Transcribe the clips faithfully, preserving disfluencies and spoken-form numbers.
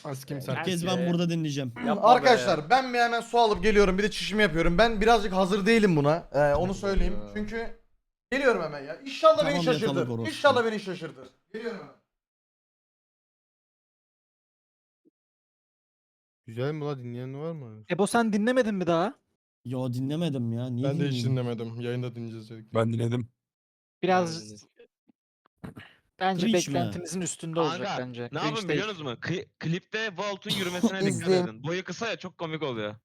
Askim sen. İlk kez ben burada dinleyeceğim. Yapma Arkadaşlar ben bir hemen su alıp geliyorum, bir de çişimi yapıyorum. Ben birazcık hazır değilim buna. Ee, onu söyleyeyim. Ya. Çünkü geliyorum hemen ya. İnşallah Tamam, beni yatalım şaşırtır. orospu. İnşallah beni şaşırtır. Geliyorum hemen. Güzel mi la, dinleyen var mı? Ebo sen dinlemedin mi daha? Yo dinlemedim ya. Niye Ben de hiç dinleyeyim? dinlemedim. Yayında dinleyeceğiz dedik. Ben dinledim. Biraz bence Cringe mi? beklentimizin üstünde olacak Kanka, bence. ne Cringe yapın değil. biliyor musunuz? Kli- klipte Volt'un yürümesine dikkat İzleyeyim. edin. Boyu kısa ya, çok komik oluyor.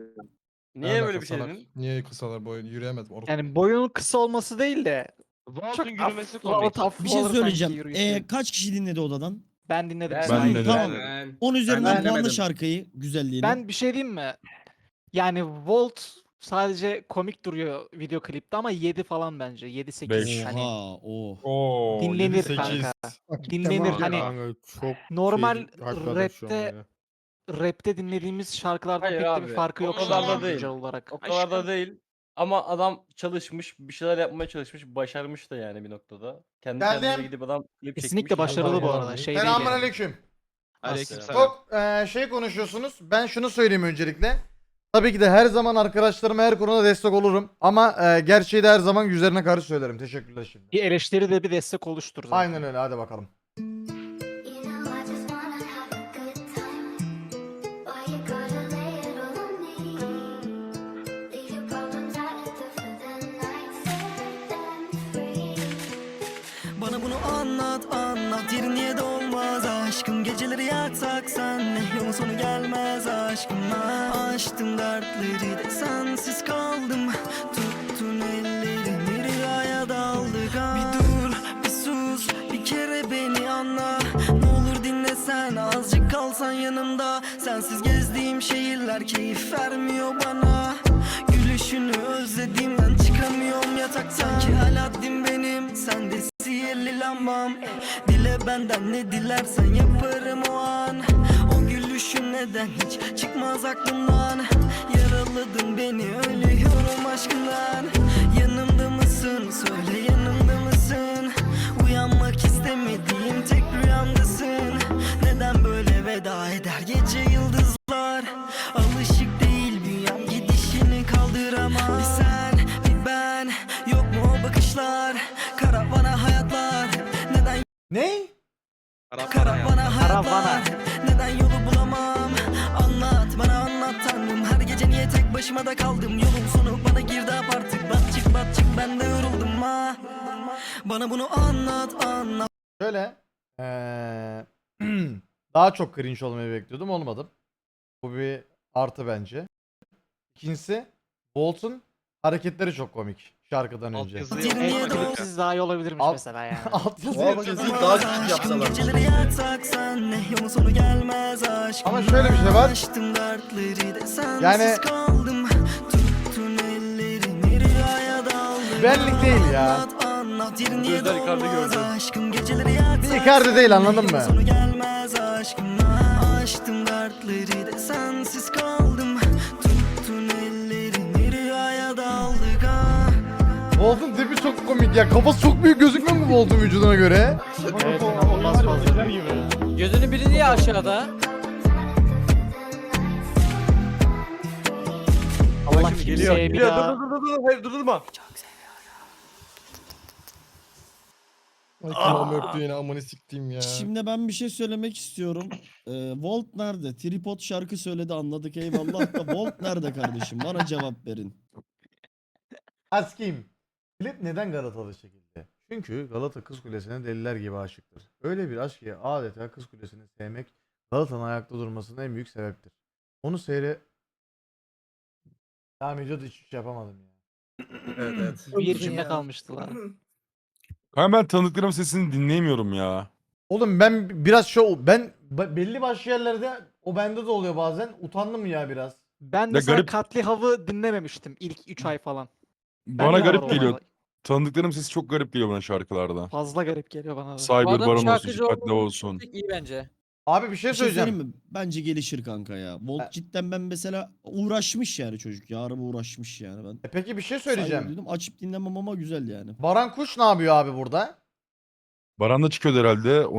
Niye Alaka böyle bir şey salak. dedin? Niye kısalar boy yürüyemez. Orospu. Yani boyunun kısa olması değil de Volt'un çok yürümesi af, komik. af, Bir şey olur sanki söyleyeceğim. yürüyüşü. Ee, kaç kişi dinledi odadan? ben dinledim. Ben, Ben Sen- dinledim. Tamam. Ben, on üzerinden dinlemedim. puanla şarkıyı güzelliğini. Ben bir şey diyeyim mi? Yani Volt sadece komik duruyor video klipte ama yedi falan bence. yedi sekiz. Beş. Hani Oha, oh. Oo, Dinlenir yedi sekiz. kanka. Hakikaten Dinlenir, var ya hani kanka, çok normal şey, hakikaten şu an rapte ya. rapte dinlediğimiz şarkılardan Hayır pek de abi, bir farkı yok. o kadar da sanki değil. güncel olarak. O kadar da Aşkım. değil. Ama adam çalışmış, bir şeyler yapmaya çalışmış, başarmış da yani bir noktada. Kendi Geldim. kendine gidip adam klip Kesinlikle çekmiş. başarılı bu Allah arada. Allah. Şey değil Selamun yani. aleyküm. Aleykümselam. Çok eee, şey konuşuyorsunuz. Ben şunu söyleyeyim öncelikle. Tabii ki de her zaman arkadaşlarıma her konuda destek olurum. Ama eee, gerçeği de her zaman yüzlerine karşı söylerim. Teşekkürler şimdi. Bir eleştiri de bir destek oluştur zaten. Aynen öyle, hadi bakalım. You know I just wanna have a good time. Why you gotta lay it all on me? Leave your problems out at the for the night. Set them free. Bana bunu anlat anlat, yerin niye de olmaz aşkım. Geceleri yatsak senle, yolun sonu gelmez aşkımla. Açtım dertleri de sensiz kaldım. Tuttun ellerimi, rüyaya daldık ha. Bir dur, bir sus, bir kere beni anla. Ne olur dinlesen, azıcık kalsan yanımda. Sensiz gezdiğim şehirler keyif vermiyor bana. Gülüşünü özlediğimden çıkamıyorum yataktan. Sanki Aladdin benim, sen de sihirli lambam. Dile benden ne dilersen yaparım o an. O gülüşün neden hiç çıkmaz aklımdan. Yaraladın beni, ölüyorum aşkından. Yanımda mısın, söyle yanımda mısın? Uyanmak istemediğim tek rüyamdasın. Neden böyle veda eder gece yıldızlar? Alışık değil bünyem, gidişini kaldıramam. Bir sen bir ben, yok mu o bakışlar? Karavana hayatlar, neden Ne? karavana hayatlar? Karavana. Neden yolu bulamam? Anlat bana anlat tanrım. Her gece niye tek başıma da kaldım? Yolun sonu bana girdi artık. Bat çık bat çık, ben de yoruldum ha. Bana bunu anlat anlat. Şöyle. eee, daha çok cringe olmayı bekliyordum. Olmadım. Bu bir artı bence. İkincisi, Bolt'un hareketleri çok komik şarkıdan önce. Altyazı yok. Evet, klipsiz daha iyi olabilirmiş Al- mesela yani. Alt O yazı yazıyı daha küçük yapsalar. Geceleri yatsak senle, yolun sonu gelmez aşkım. Ama şöyle bir şey var. Açtım dertleri de sensiz Yani- kaldım. Tuttun ellerimi, rüyaya daldım. Benlik değil ya. Anlat, anlat, yerin niye Gözler Icardi dolmaz gördü. aşkım. Geceleri yatsak Bir Icardi değil, anladın senle, mı? yolun sonu gelmez aşkım. Açtım dertleri de sensiz kaldım. Tuttun ellerimi, rüyaya daldık ha. Bolt'un tipi çok komik ya. Kafası çok büyük gözükmüyor mu Bolt'un vücuduna göre? Evet, inanılmaz fazla. Gözünün biri niye aşağıda? Allah kimseye bir daha... dur dur dur, hayır durdurma. Ay kulağımı öptü yine, amını siktiğim ya. Şimdi ben bir şey söylemek istiyorum. Ee, Volt nerede? Tripod şarkı söyledi, anladık eyvallah da Volt nerede kardeşim? Bana cevap verin. Askim. Klip neden Galatalı çekildi? Çünkü Galata Kız Kulesi'ne deliler gibi aşıktır. Öyle bir aşk ki adeta Kız Kulesi'ni sevmek Galata'nın ayakta durmasının en büyük sebeptir. Onu seyre... Tamam videoda hiçbir şey yapamadım ya. Evet evet. Bir cümle kalmıştı lan. Kanka ben tanıdıklarımın sesini dinleyemiyorum ya. Oğlum ben biraz şu ben be- belli başlı yerlerde o bende de oluyor bazen. Utandım ya biraz. Ben mesela garip- Katli Hav'ı dinlememiştim ilk üç ay falan. Bana Bende de garip var o geliyor. olay. Tanıdıklarım sesi çok garip geliyor bana şarkılarda. Fazla garip geliyor bana da. Cyber Baron olsun, dikkatli olsun. İyi bence. Abi bir şey Bir şey söyleyeceğim. söyleyeyim mi? Bence gelişir kanka ya. Volt Ha. cidden ben mesela uğraşmış yani çocuk ya. Araba uğraşmış yani ben. E peki bir şey Saygı söyleyeceğim. duydum. Açıp dinlemem ama güzel yani. Baran Kuş ne yapıyor abi burada? Baran da çıkıyordu herhalde.